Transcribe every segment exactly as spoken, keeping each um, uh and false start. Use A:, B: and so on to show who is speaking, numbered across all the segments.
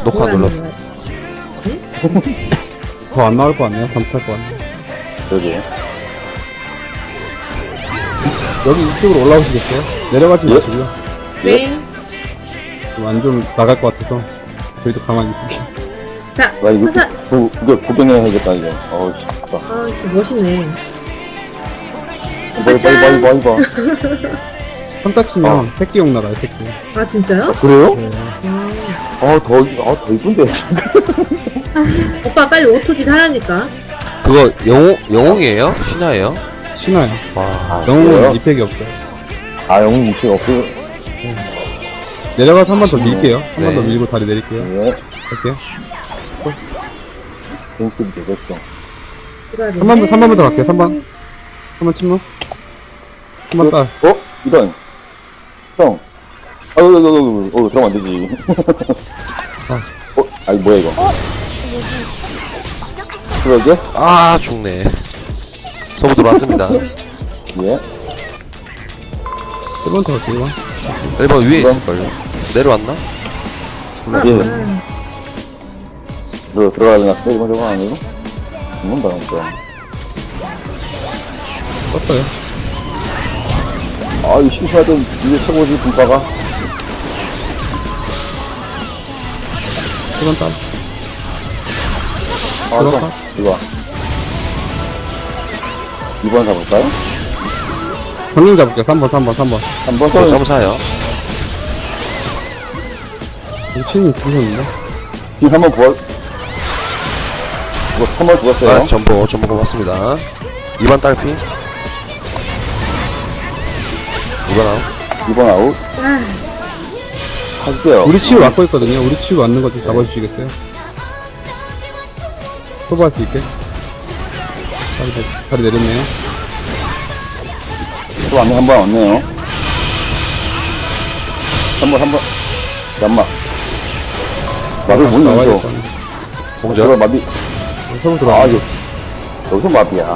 A: 녹화
B: 뭘
A: 눌러.
B: 하는 거야?
C: 더 안 나올 것 같네요. 잠탈 것 같네요.
D: 여기.
C: 여기 이쪽으로 올라오시겠어요? 내려가지
D: 예?
C: 마시고요.
B: 네.
C: 완전 나갈 것 같아서 저희도 가만히 있을게요.
B: 자,
D: 나 이거
B: 하사.
D: 구, 구경, 구경해야겠다, 이거. 어우, 씨. 봐.
B: 아씨 멋있네.
D: 이거, 이거, 이거, 이거, 이거.
C: 삼타 치면
D: 어.
C: 새끼용 나라요, 새끼.
B: 아 진짜요?
D: 아, 그래요?
C: 네.
B: 음.
D: 아, 더, 아, 더 이쁜데.
B: 오빠 빨리 오토짓 하라니까.
A: 그거 영웅 영웅이에요? 신화예요?
C: 신화요.
A: 와.
D: 아,
C: 영웅은
D: 그래요?
C: 이펙이 없어요.
D: 아, 영웅 무시 없고.
C: 내려가서 한 번 더 밀게요. 한 번 더
A: 네.
C: 밀고 다리 내릴게요.
D: 예.
C: 갈게요.
D: 재밌게 되겠죠.
B: 기다려.
C: 삼 번부터, 삼 번부터 갈게요, 삼 번. 한 번 침묵. 한 번 딸.
D: 어? 이런. 형. 아유, 아유, 아유, 어, 그러면 안 되지. 어? 아니, 뭐야, 이거. 그러게?
A: 아 죽네. 소부 들어왔습니다.
D: 예.
C: 일 번 더 갈게요, 일 번.
A: 일 번 위에
D: 이번.
A: 있을걸요? 내려왔나?
B: 아,
D: 예.
B: 아.
D: 너 들어가야 되나? 이거 저거 아니고? 이건 봐, 진짜.
C: 떴어요.
D: 아, 이 심심하던 이게 최고지, 분파가.
C: 일 번 딸.
D: 아,
C: 들어가.
D: 이거. 이거. 이번 사볼까요?
C: 정령 잡을게요, 삼 번, 삼 번, 삼 번.
D: 한번
A: 저
D: 더.
A: 점사요.
C: 미친이 죽으셨는데?
D: 뒤 한번 부어. 이거 한번 죽었어요.
A: 아 전보 전보 고맙습니다. 이 번 딸피. 이 번 아웃.
D: 이번 아웃.
B: 아,
D: 할게요.
C: 우리 치유 맞고 있거든요. 우리 치유 맞는 거 좀 잡아주시겠어요? 소부할 수 있게. 다리, 내- 다리 내렸네요.
D: 또 안에 한번 왔네요. 한 번, 한 번. 잠깐만. 마비 못
C: 나와야
D: 넣어.
C: 될
A: 공절.
D: 저거 마비.
C: 소부
D: 아,
C: 들어와.
D: 이거. 여기서 마비야.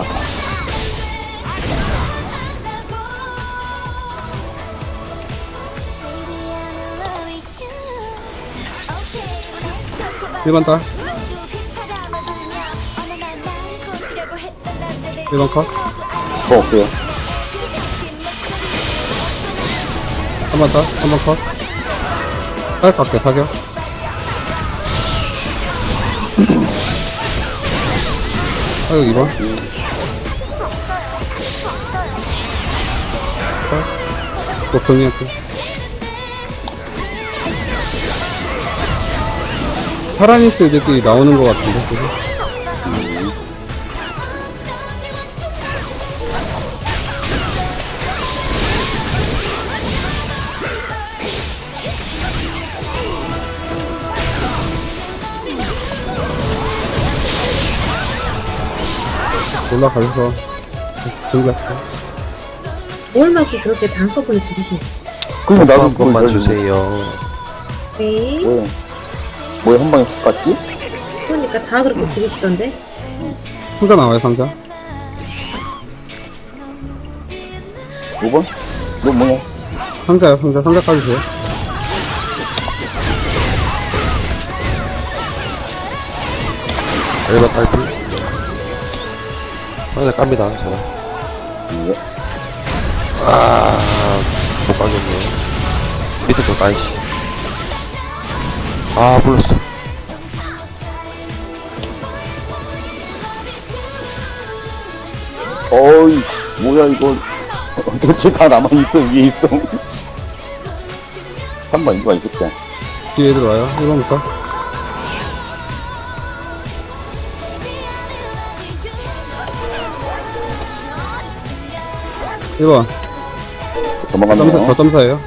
C: 일 번 딸. 일 번 컷.
D: 뭐 없어요.
C: 한 번 딸. 한 번 컷. 딸 갈게, 사격. 사격 이 번. 딸. 또 정리할게. 파라니스 애들끼리 나오는 것 같은데, 그죠? 올라가셔서 정리할게요.
B: 뭘 맞고 그렇게 단꺼번에 죽이시네.
D: 그럼 나도
A: 한 번만
D: 그걸
A: 주세요.
B: 네.
D: 뭐야? 뭐야, 한 방에 훅 갔지?
B: 그러니까 다 그렇게 죽이시던데.
C: 상자 나와요, 상자.
D: 오 번? 너 뭐냐?
C: 상자요, 상자. 상자 까주세요.
A: 일 번 딸피. 상대 깝니다. 저는.
D: 예.
A: 아, 못 가겠네. 밑에 거 까이씨. 아, 불렀어.
D: 어이, 뭐야, 이거. 도대체 다 남아있어, 위에 있어. 한 번, 이거 있을게.
C: 뒤에 들어와요. 일 번부터. 일 번. 점사,
D: 도망갔네요.
C: 저 점사예요.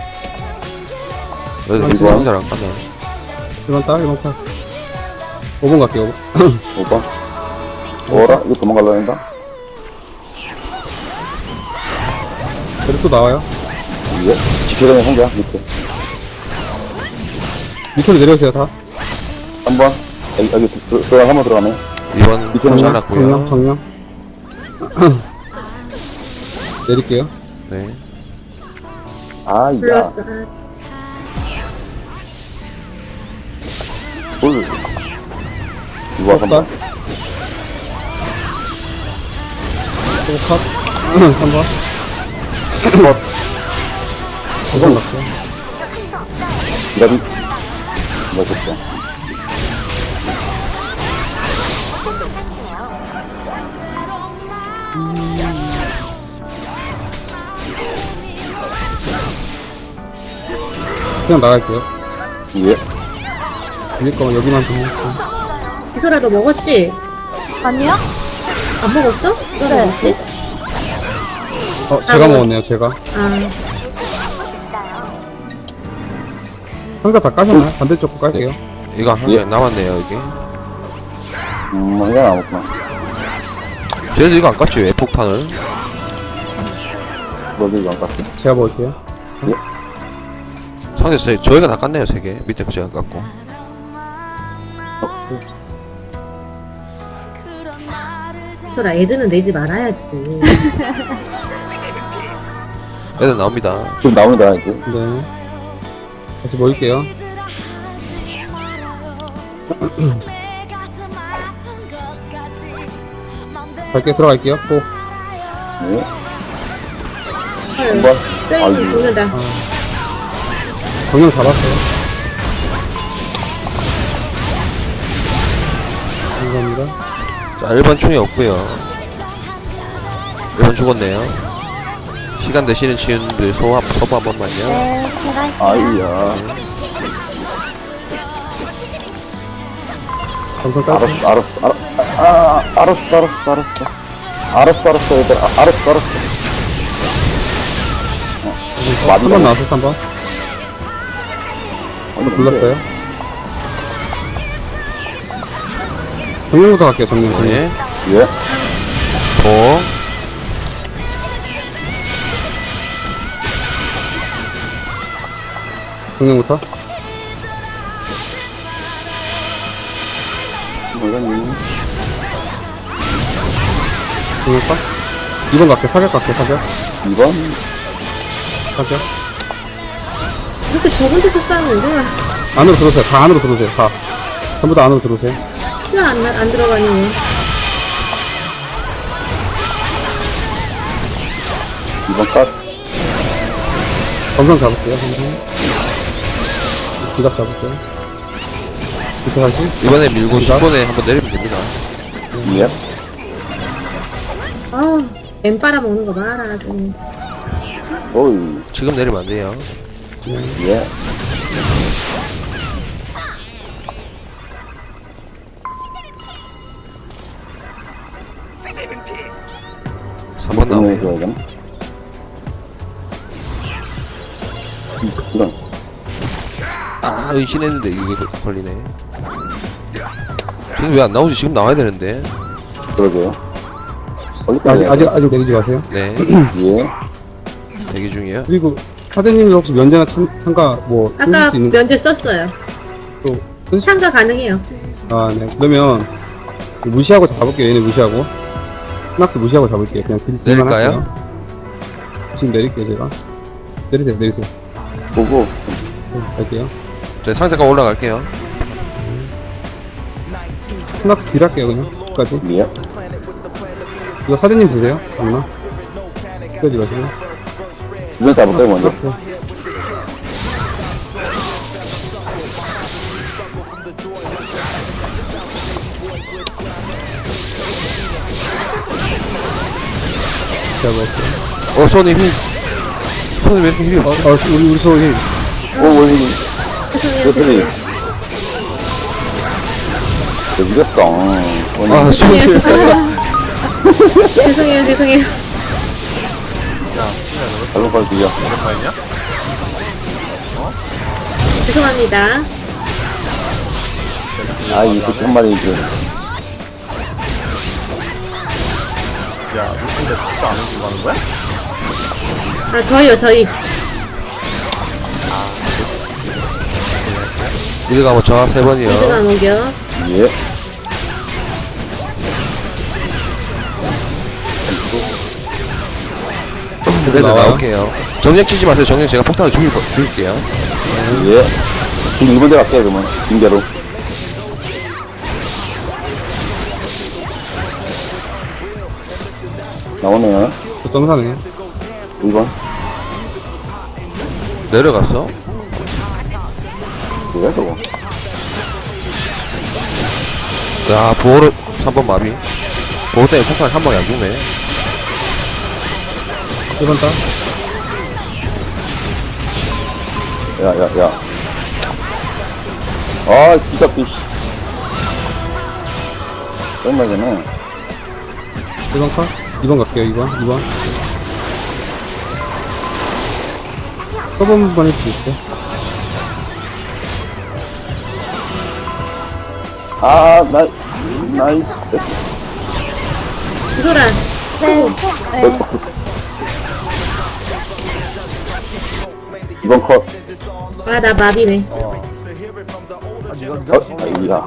A: 여기
D: 일 번.
A: 상자를 안 깠네.
C: 일 번 딸, 일 번 딸. 오 번 갈게요, 오 번.
D: 오 번. 뭐라? 이거 도망갈라 한다?
C: 그리고 또 나와요.
D: 예. 지켜가는 상자, 밑에.
C: 밑으로 내려오세요, 다.
D: 한 번. 여기, 여기, 들- 들어가, 한 번 들어가네.
A: 이 번
D: 밑에는
C: 정령,
A: 잘랐고요.
C: 정령. 내릴게요.
A: 네.
D: 아, 야.
B: 플러스. 아,
D: 볼. 이거 한
C: 컷.
D: 번.
C: 또 컷. 한 번.
D: 컷.
C: 고정 났어.
D: 기다리. 멋있다.
C: 그냥 나갈게요.
D: 예.
C: 밀릴 거면 여기만 좀 할게요.
B: 이소라 너 먹었지?
E: 아니요?
B: 안 먹었어? 이소라
E: 네.
B: 먹지?
C: 어, 제가
B: 아, 뭐.
C: 먹었네요, 제가.
B: 아,
C: 상자 다 까셨나요? 반대쪽 거 깔게요.
A: 이거 한 개
D: 예.
A: 남았네요, 이게.
D: 음, 이거 나왔구나.
A: 쟤도 이거 안 깠죠, 왜 폭탄을?
D: 너도 이거 안 깠어?
C: 제가 먹을게요.
A: 상대 저, 저희가 다 깠네요, 세 개. 밑에 거 제가 깠고.
B: 이소라 애들은 내지 말아야지.
A: 애들 나옵니다.
D: 지금 나옵니다, 이제.
C: 네. 다시 먹을게요. 갈게, 들어갈게요. 꼭.
D: 네.
B: 헐,
D: 한 번.
B: 땡이
D: 아이고.
B: 죽는다.
C: 정령 잡았어요. 감사합니다.
A: 자, 일 번 충이 없고요 일 번 죽었네요. 시간 되시는 치유님들 소화, 소부 한 번만요.
E: 네, 제가 할게요.
D: 아이야.
C: 감사 깔게.
D: 알았어, 알았어, 알았어. 아, 알았어, 알았어, 알았어. 알았어, 알았어, 얘들. 아, 알았어, 알았어. 어,
C: 한 번 나왔어, 한 번.
D: 아니,
C: 불렀어요. 정령부터 갈게요, 정령. 정령.
A: 네.
D: 예.
A: 도.
C: 정령부터.
D: 뭐라니?
C: 정령부터. 이 번 갈게, 사격 갈게, 사격.
D: 이 번?
C: 사격.
B: 그렇게 좁은 데서 싸우면 내가
C: 안으로 들어오세요. 다 안으로 들어오세요. 다. 전부 다 안으로 들어오세요.
B: 치가 안, 나- 안 들어가니 왜.
D: 이 번 컷.
C: 검성 잡을게요, 검성. 기갑 잡을게요. 밑에 다시.
A: 이번에 밀고 십 번에 한번 내리면 됩니다.
D: 예.
B: 아, 엠 빨아먹는 거 봐라, 아주.
D: 오이.
A: 지금 내리면 안 돼요.
D: 예.
A: 삼 번 나오네요.
D: 해줘야 되나? 이런.
A: 아, 의심했는데 이게 걸리네. 지금 왜 안 나오지? 지금 나와야 되는데.
D: 그러게요.
C: 아직,
D: 거기까지.
C: 아직, 아직 내리지 마세요.
A: 네.
D: 예.
A: 대기 중이에요.
C: 그리고, 사장님이 혹시 면제나 참, 참가, 뭐, 쓰실
B: 아까
C: 수 있는
B: 면제 썼어요.
C: 또, 쓰실 수,
B: 참가 가능해요.
C: 아, 네. 그러면, 무시하고 잡을게요. 얘네 무시하고. 스낙스 무시하고 잡을게요. 그냥 딜, 딜만
A: 내릴까요?
C: 할게요. 지금 내릴게요, 제가. 내리세요, 내리세요.
D: 보고.
C: 네, 갈게요.
A: 저 상자가 올라갈게요.
C: 스낙스 딜 할게요, 그냥. 끝까지.
D: 예.
C: 이거 사장님 드세요. 맞나? 끝까지 가세요.
D: 이번 잡을까요, 먼저?
C: 네. 제가 먹을게요.
A: 어, 손이 힘. 손이 왜 이렇게 힘이
C: 어,
A: 없지?
C: 어, 우리, 우리 소희.
D: 오, 원숭이.
B: 죄송해요,
D: 원숭이.
B: 죄송해요.
D: 왜 이랬어?
A: 아, 손이
B: 죄송해요, 죄송해요. 죄송해요, 죄송해요.
D: 발로 빨리 들려.
B: 죄송합니다.
D: 아, 이 새끼 한 마리 그.
B: 아, 저희요, 저희.
A: 미드 가면 저 세 번이요.
B: 미드가 녹여.
D: 예.
A: 애들
C: 나와요?
A: 나올게요. 정령 치지 마세요. 정령 제가 폭탄을 죽일, 거- 죽일게요.
D: 예. 지금 일 번 대 갈게요, 그러면. 징계로. 나오네요.
C: 저 점사네.
D: 이 번.
A: 내려갔어?
D: 뭐야, 저거?
A: 야, 보호로 삼 번 마비. 보호 때문에 폭탄 한 방에 안 죽네.
C: 일 번 따.
D: 야, 야, 야. 아, 진짜, 삐. 얼마 전에.
C: 일 번 컷. 이 번 갈게요, 이 번. 이 번. 서브 번 할 수 있어.
D: 아, 나, 나이,
B: 이소라.
E: 네. 네.
D: 이번 컷.
B: 아, 나 마비네.
D: 어, 아이야.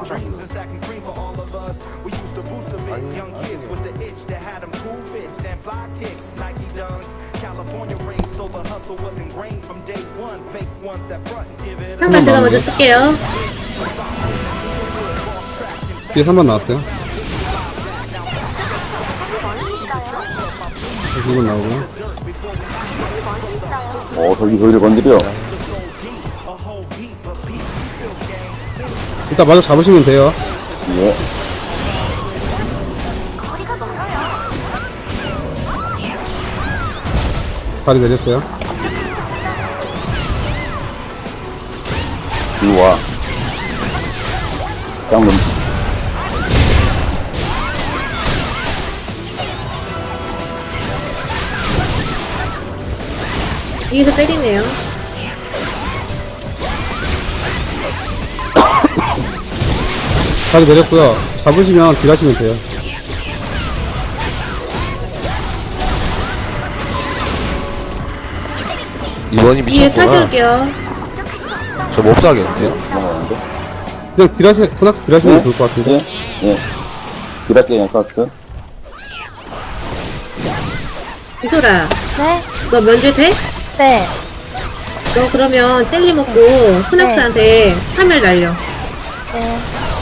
B: 상관 제가 먼저 쓸게요.
C: 뒤에 삼 번 나왔어요. 이 번 나오고요.
D: 어, 저기 저기를 건드려.
C: 일단 마저 잡으시면 돼요.
D: 예.
C: 다리 내렸어요.
D: 이리 와. 짱놈.
B: 위에서 때리네요.
C: 다리 내렸고요. 잡으시면 딜하시면 돼요.
A: 이번이
B: 위에
A: 미쳤구나.
B: 사격이요.
A: 저 몹사겠는데요?
D: 넘어가는데?
C: 그냥 딜하시, 코낙스 딜하시면
D: 네?
C: 좋을 것 같은데.
D: 예, 예. 딜할게, 그냥 카스.
B: 이소라.
E: 네.
B: 너 면제 돼?
E: 네.
B: 너 그러면 젤리 먹고 후낙스한테 화면 날려.
E: 네.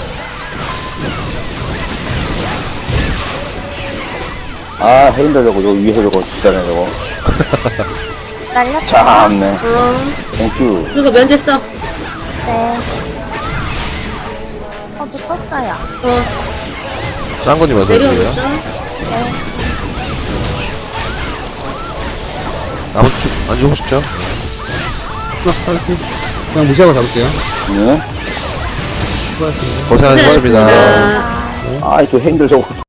D: 아, 헤인들 저거, 저 위에서 저거, 진짜네, 저거.
E: 날렸다.
D: 참네.
B: 어.
D: 땡큐.
B: 그리고 면제 써.
E: 네. 어, 묶었어요.
B: 어.
A: 짱구님 어서
B: 내려오고
A: 오세요.
B: 있어.
E: 네.
A: 나머지 죽, 안 죽으시죠?
C: 코낙스 탈출. 그냥 무시하고 잡을게요.
D: 예.
C: 수고하셨습니다.
A: 고생하셨습니다.
B: 고생하셨습니다.
D: 아, 저 헤인들 저거.